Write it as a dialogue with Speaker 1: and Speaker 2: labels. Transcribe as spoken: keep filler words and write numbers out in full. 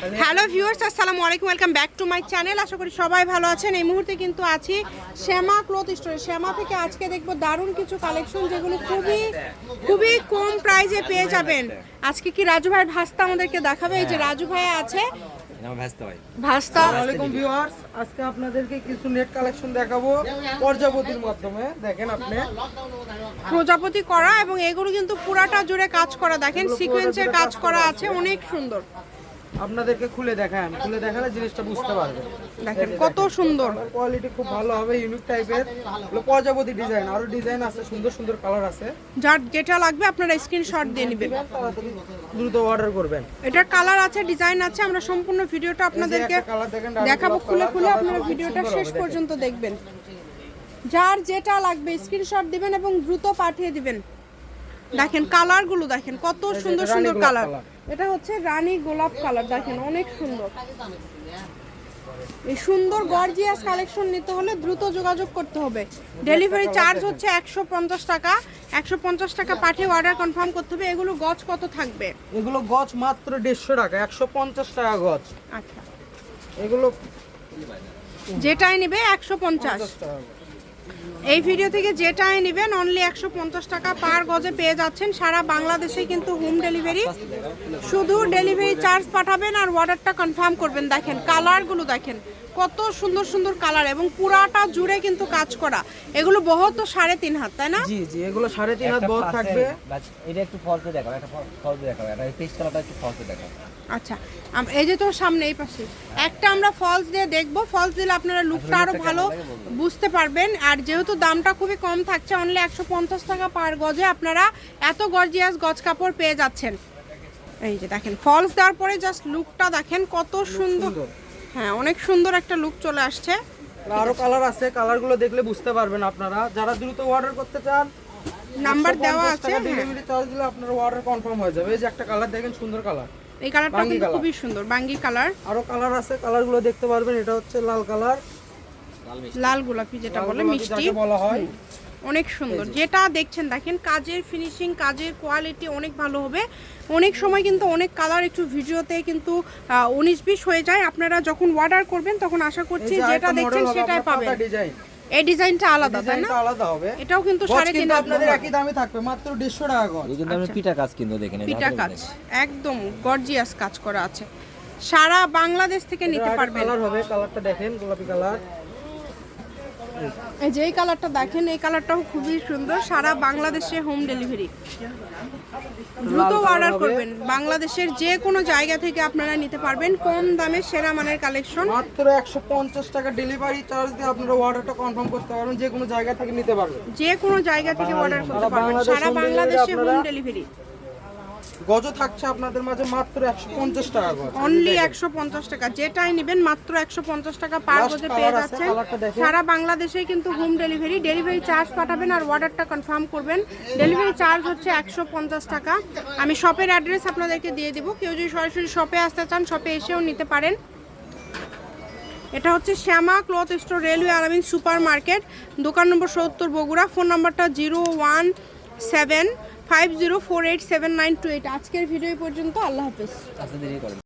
Speaker 1: Hello viewers, আসসালামু আলাইকুম, welcome back to my channel. আশা করি সবাই ভালো আছেন। এই মুহূর্তে কিন্তু আছি শ্যামা ক্লথ স্টোরে। শ্যামা থেকে আজকে দেখবো দারুণ কিছু কালেকশন, যেগুলো খুবই খুবই কম প্রাইসে পেয়ে যাবেন। আজকে কি রাজু ভাই ভাস্তা আমাদেরকে দেখাবে? এই যে রাজু ভাই আছে, ভাস্তা।
Speaker 2: আসসালামু ভিউয়ার্স, আজকে আপনাদেরকে কিছু নেট কালেকশন দেখাবো প্রজাপতির মাধ্যমে। দেখেন আপনি
Speaker 1: প্রজাপতি করা, এবং এগুলো কিন্তু পুরাটা জুড়ে কাজ করা। দেখেন সিকোয়েন্সের কাজ করা আছে, অনেক সুন্দর।
Speaker 2: আপনাদেরকে খুলে দেখান, খুলে দেখালে জিনিসটা বুঝতে পারবেন।
Speaker 1: দেখেন কত সুন্দর,
Speaker 2: কোয়ালিটি খুব ভালো হবে, ইউনিক টাইপের। হলো প্রজাপতি ডিজাইন, আরো ডিজাইন আছে, সুন্দর সুন্দর কালার আছে।
Speaker 1: যার যেটা লাগবে আপনারা স্ক্রিনশট দিয়ে নেবেন,
Speaker 2: তাড়াতাড়ি দ্রুত অর্ডার করবেন।
Speaker 1: এটার কালার আছে, ডিজাইন আছে। আমরা সম্পূর্ণ ভিডিওটা আপনাদেরকে দেখাবো খুলে খুলে। আপনারা ভিডিওটা শেষ পর্যন্ত দেখবেন। যার যেটা লাগবে স্ক্রিনশট দিবেন এবং দ্রুত পাঠিয়ে দিবেন। দেখেন কালারগুলো, দেখেন কত সুন্দর সুন্দর কালার। এটা হচ্ছে রানী গোলাপ কালার, দেখেন অনেক সুন্দর। এই সুন্দর গর্জিয়াস কালেকশন নিতে হলে দ্রুত যোগাযোগ করতে হবে। ডেলিভারি চার্জ হচ্ছে একশো পঞ্চাশ টাকা। একশো পঞ্চাশ টাকা পাঠিয়ে অর্ডার কনফার্ম করতে হবে। এগুলো গজ কত থাকবে?
Speaker 2: এগুলো গজ মাত্র দেড়শো টাকা, একশো পঞ্চাশ টাকা গজ।
Speaker 1: আচ্ছা,
Speaker 2: এগুলো
Speaker 1: যেটাই নেবে একশো পঞ্চাশ। এই ভিডিও থেকে যেটাই নেবেন অনলি একশো পঞ্চাশ টাকা পার গজে পেয়ে যাচ্ছেন। সারা বাংলাদেশে কিন্তু হোম ডেলিভারি, শুধু ডেলিভারি চার্জ পাঠাবেন আর অর্ডারটা কনফার্ম করবেন। দেখেন কালারগুলো, দেখেন কত সুন্দর সুন্দর কালার, এবং পুরাটা জুড়ে কিন্তু কাজ করা। এগুলো বহর তো সাড়ে তিন হাত, তাই না?
Speaker 2: জি জি, এগুলো সাড়ে তিন হাত বহর থাকবে।
Speaker 3: এটা একটু ফলসে দেখাও, একটা ফলসে দেখাও, এটা পেস্ট কালারটা একটু ফলসে দেখাও।
Speaker 1: আচ্ছা, এই যে তোর সামনে এই পাশে একটা আমরা ফলস দিয়ে দেখবো। ফলস দিলে আপনারা লুকটা আরো ভালো বুঝতে পারবেন। আর যেহেতু দামটা খুবই কম থাকছে, অনলি একশো পঞ্চাশ টাকা পার গজে আপনারা এত গর্জিয়াস গজ কাপড় পেয়ে যাচ্ছেন। এই যে দেখেন ফলস দেওয়ার পরে জাস্ট লুকটা দেখেন কত সুন্দর। হ্যাঁ, অনেক সুন্দর একটা লুক চলে আসছে।
Speaker 2: আরো কালার আছে, কালারগুলো দেখলে বুঝতে পারবেন আপনারা। যারা দ্রুত অর্ডার করতে চান,
Speaker 1: নাম্বার দেওয়া আছে,
Speaker 2: ডেলিভারি চার্জ দিলে আপনার অর্ডার কনফার্ম হয়ে যাবে। এই যে একটা কালার দেখেন, সুন্দর কালার।
Speaker 1: এই কালারটা কিন্তু খুবই সুন্দর, বাঙ্গি কালার।
Speaker 2: আরো কালার আছে, কালারগুলো দেখতে পারবেন। এটা হচ্ছে লাল কালার,
Speaker 1: লাল গোলাপি যেটা বলে, মিষ্টি
Speaker 2: বলা হয়।
Speaker 1: অনেক সুন্দর। যেটা দেখছেন দেখেন কাজের ফিনিশিং, কাজের কোয়ালিটি অনেক ভালো হবে। অনেক সময় কিন্তু অনেক কালার একটু ভিডিওতে কিন্তু উনিশ বিশ হয়ে যায়। আপনারা যখন অর্ডার করবেন তখন আশা করছি যেটা দেখছেন সেটাই পাবেন। এই ডিজাইনটা আলাদা, তাই না?
Speaker 2: আলাদা হবে।
Speaker 1: এটাও কিন্তু সাড়ে তিন হাত,
Speaker 2: আপনাদের একই দামে থাকবে, মাত্র দেড়শো টাকা গজ।
Speaker 3: এই কিন্তু আমরা পিটা কাজ কিন্তু দেখেন,
Speaker 1: পিটা কাজ একদম গর্জিয়াস কাজ করা আছে। সারা বাংলাদেশ থেকে নিতে পারবেন।
Speaker 2: কালার হবে, কালারটা দেখেন, গোলাপি কালার।
Speaker 1: এই যে এই কালারটা দেখেন, এই কালারটাও খুবই সুন্দর। সারা বাংলাদেশে হোম ডেলিভারি, দ্রুত অর্ডার করবেন। বাংলাদেশের যে কোনো জায়গা থেকে আপনারা নিতে পারবেন কম দামে সেরা মানের কালেকশন।
Speaker 2: মাত্র একশো পঞ্চাশ টাকা ডেলিভারি চার্জ দিয়ে আপনারা অর্ডারটা কনফার্ম করতে পারবেন। যে কোনো জায়গা থেকে নিতে পারবেন,
Speaker 1: যে কোনো জায়গা থেকে অর্ডার করতে পারবেন। সারা বাংলাদেশে হোম ডেলিভারি।
Speaker 2: গজ থাকছে আপনাদের মাঝে মাত্র একশো পঞ্চাশ টাকা গজ,
Speaker 1: অনলি একশো পঞ্চাশ টাকা। যেটাই নেবেন মাত্র একশো পঞ্চাশ টাকা পার গজে পেয়ে যাচ্ছেন। সারা বাংলাদেশে কিন্তু হোম ডেলিভারি। ডেলিভারি চার্জ পাঠাবেন আর অর্ডারটা কনফার্ম করবেন। ডেলিভারি চার্জ হচ্ছে একশো পঞ্চাশ টাকা। আমি শপের অ্যাড্রেস আপনাদেরকে দিয়ে দেবো। কেউ যদি সরাসরি শপে আসতে চান শপে এসেও নিতে পারেন। এটা হচ্ছে Shyama cloth store, railway Alamin super market, দোকান নম্বর সত্তর, বগুড়া। ফোন নাম্বারটা zero one seven five zero four eight seven nine two eight. আজকের ভিডিও পর্যন্ত, আল্লাহ হাফেজ।